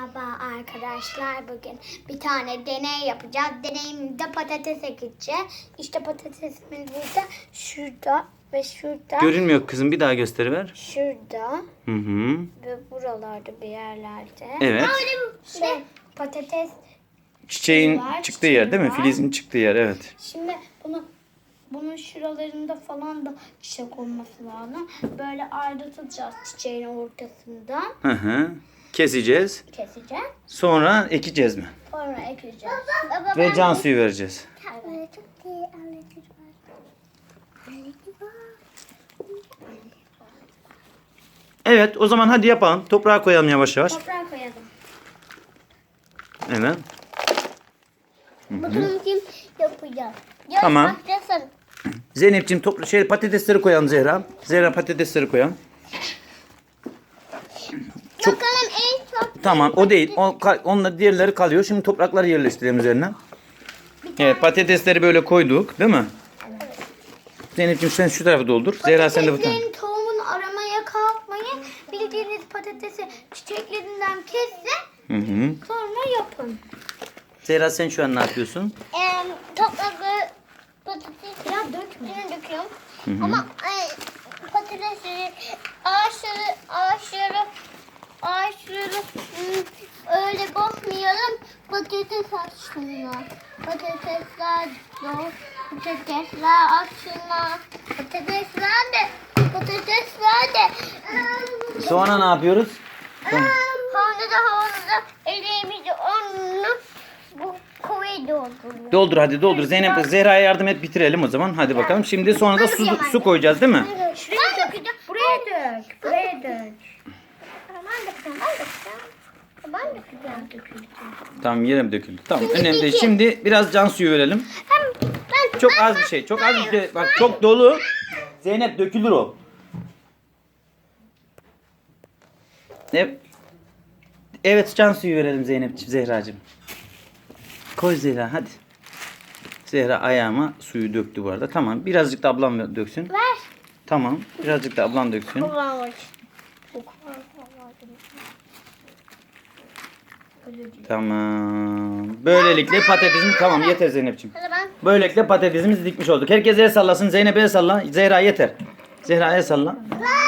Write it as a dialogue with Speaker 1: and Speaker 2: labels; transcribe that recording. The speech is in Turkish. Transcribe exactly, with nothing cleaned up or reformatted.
Speaker 1: Merhaba arkadaşlar. Bugün bir tane deney yapacağız. Deneyimde patates ekeceğiz. İşte patatesimiz burada, şurada ve şurada.
Speaker 2: Görünmüyor kızım, bir daha gösteriver.
Speaker 1: Şurada
Speaker 2: Hı hı.
Speaker 1: ve buralarda bir yerlerde.
Speaker 2: Evet.
Speaker 1: Şey, patates
Speaker 2: Çiçeğin
Speaker 1: var,
Speaker 2: çıktığı yer değil mi?
Speaker 1: var.
Speaker 2: Filizin çıktığı yer, evet.
Speaker 1: Şimdi bunu bunun şuralarında falan da çiçek olması lazım. Böyle ayrıtacağız çiçeğin ortasından.
Speaker 2: Hı hı. Keseceğiz.
Speaker 1: Keseceğiz.
Speaker 2: Sonra ekeceğiz mi?
Speaker 1: Sonra ekeceğiz. Baba,
Speaker 2: Ve can suyu vereceğiz.
Speaker 1: Evet. Çok iyi aleti var. Aleti var.
Speaker 2: Evet, o zaman hadi yapalım. Toprağa koyalım yavaş yavaş.
Speaker 1: Toprağa koyalım.
Speaker 2: Evet.
Speaker 1: Bakalım kim yapacak.
Speaker 2: Tamam.
Speaker 1: Başlasın.
Speaker 2: Zeynep'ciğim topla şey patatesleri koyalım Zehra. Zehra patatesleri koyalım. Çok-
Speaker 1: Bakalım en çok.
Speaker 2: Tamam, o değil. O, ka- onunla diğerleri kalıyor. Şimdi toprakları yerleştirelim üzerine. Evet, patatesleri böyle koyduk, değil mi?
Speaker 1: Evet.
Speaker 2: Zeynep'ciğim sen şu tarafı doldur. Zehra sen de bu tarafa.
Speaker 1: Patateslerin tohumunu aramaya kalkmayın. Bildiğiniz patatesi çiçeklerinden kesin.
Speaker 2: Hı hı.
Speaker 1: Sonra yapın.
Speaker 2: Zehra sen şu an ne yapıyorsun?
Speaker 1: Ee, toprakları patates ya dökme. döküyorum.
Speaker 2: Hı hı.
Speaker 1: Ama e, patatesleri ağaçları ağaçları ağaçları hmm, öyle bakmayalım. Patates açsınlar. Patatesler doğ, patatesler açsınlar. Patatesler de patatesler de
Speaker 2: Sonra ne yapıyoruz?
Speaker 1: havluda havluda elimizi onu bu kovayı dolduruyor.
Speaker 2: Doldur hadi doldur. Zeynep Zehra'ya yardım et, bitirelim o zaman. Hadi bakalım. Şimdi sonra da su, su koyacağız değil mi?
Speaker 1: Şuraya dökeceğim. Buraya dök. Buraya dök. Ben dökeceğim. Ben dökeceğim. Ben dökeceğim. Döküleceğim.
Speaker 2: Tamam, yere mi döküldü? Tamam, önemli değil. Şimdi biraz can suyu verelim.
Speaker 1: Ben, ben,
Speaker 2: Çok az bir şey. Çok az bir şey. Bak çok dolu. Zeynep dökülür o. Ne? Evet, can suyu verelim Zeynep'ciğim, Zehra'cığım. Koy Zehra hadi. Zehra ayağıma suyu döktü bu arada. Tamam, birazcık da ablam döksün.
Speaker 1: ver.
Speaker 2: Tamam, birazcık da ablam döksün.
Speaker 1: Kullanmış.
Speaker 2: Tamam. Böylelikle patatesimiz tamam, yeter Zeynep'ciğim.
Speaker 1: Hadi ben.
Speaker 2: Böylelikle patatesimizi dikmiş olduk. Herkes el sallasın. Zeynep el salla. Zehra yeter. Zehra el salla.